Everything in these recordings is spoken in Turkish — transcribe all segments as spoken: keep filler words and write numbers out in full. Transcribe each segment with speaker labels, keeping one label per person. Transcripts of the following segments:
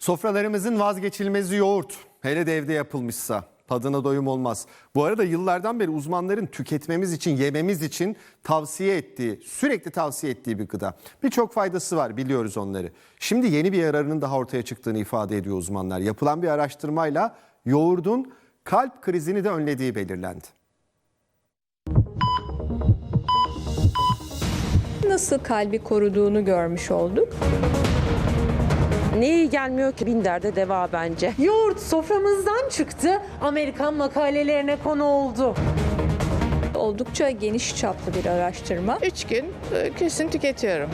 Speaker 1: Sofralarımızın vazgeçilmezi yoğurt. Hele de evde yapılmışsa tadına doyum olmaz. Bu arada yıllardan beri uzmanların tüketmemiz için, yememiz için tavsiye ettiği, sürekli tavsiye ettiği bir gıda. Birçok faydası var, biliyoruz onları. Şimdi yeni bir yararının daha ortaya çıktığını ifade ediyor uzmanlar. Yapılan bir araştırmayla yoğurdun kalp krizini de önlediği belirlendi.
Speaker 2: Nasıl kalbi koruduğunu görmüş olduk.
Speaker 3: Ne iyi gelmiyor ki, bin derde deva bence.
Speaker 4: Yoğurt soframızdan çıktı, Amerikan makalelerine konu oldu.
Speaker 2: Oldukça geniş çaplı bir araştırma.
Speaker 5: Üç gün e, kesin tüketiyorum.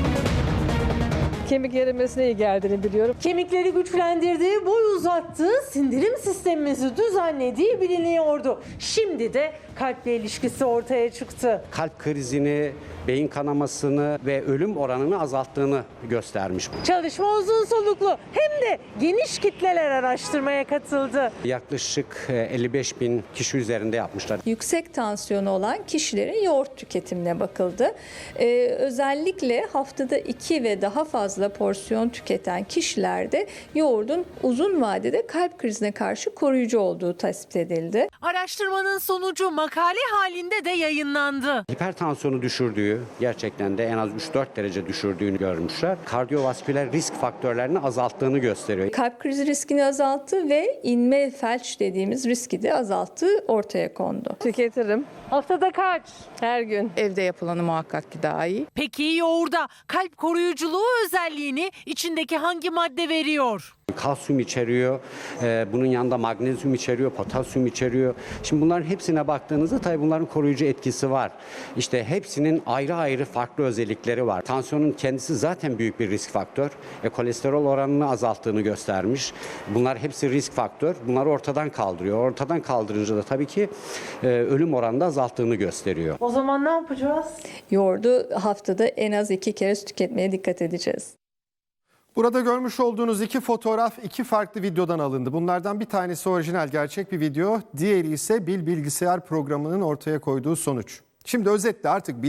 Speaker 6: Kemik erimesine iyi geldiğini biliyorum.
Speaker 4: Kemikleri güçlendirdiği, boy uzattığı, sindirim sistemimizi düzenlediği biliniyordu. Şimdi de kalple ilişkisi ortaya çıktı.
Speaker 7: Kalp krizini, beyin kanamasını ve ölüm oranını azalttığını göstermiş.
Speaker 4: Çalışma uzun soluklu hem de geniş kitleler araştırmaya katıldı.
Speaker 7: Yaklaşık elli beş bin kişi üzerinde yapmışlar.
Speaker 2: Yüksek tansiyonu olan kişilerin yoğurt tüketimine bakıldı. Ee, özellikle haftada iki ve daha fazla porsiyon tüketen kişilerde yoğurdun uzun vadede kalp krizine karşı koruyucu olduğu tespit edildi.
Speaker 4: Araştırmanın sonucu makale halinde de yayınlandı.
Speaker 7: Hipertansiyonu düşürdüğü, gerçekten de en az üç dört derece düşürdüğünü görmüşler. Kardiyovasküler risk faktörlerini azalttığını gösteriyor.
Speaker 2: Kalp krizi riskini azalttı ve inme felç dediğimiz riski de azalttığı ortaya kondu.
Speaker 6: Tüketirim
Speaker 4: Haftada kaç?
Speaker 6: her gün.
Speaker 5: Evde yapılanı muhakkak ki daha iyi.
Speaker 4: Peki yoğurda kalp koruyuculuğu özelliğini içindeki hangi madde veriyor?
Speaker 7: Kalsiyum içeriyor, e, bunun yanında magnezyum içeriyor, potasyum içeriyor. Şimdi bunların hepsine baktığınızda tabii bunların koruyucu etkisi var. İşte hepsinin ayrı ayrı farklı özellikleri var. Tansiyonun kendisi zaten büyük bir risk faktör. E, kolesterol oranını azalttığını göstermiş. Bunlar hepsi risk faktör. Bunları ortadan kaldırıyor. Ortadan kaldırınca da tabii ki e, ölüm oranını da azalttığını gösteriyor.
Speaker 4: O zaman ne yapacağız?
Speaker 2: Yoğurdu haftada en az iki kere tüketmeye dikkat edeceğiz.
Speaker 1: Burada görmüş olduğunuz iki fotoğraf iki farklı videodan alındı. Bunlardan bir tanesi orijinal gerçek bir video, diğeri ise Bil Bilgisayar programının ortaya koyduğu sonuç. Şimdi özetle artık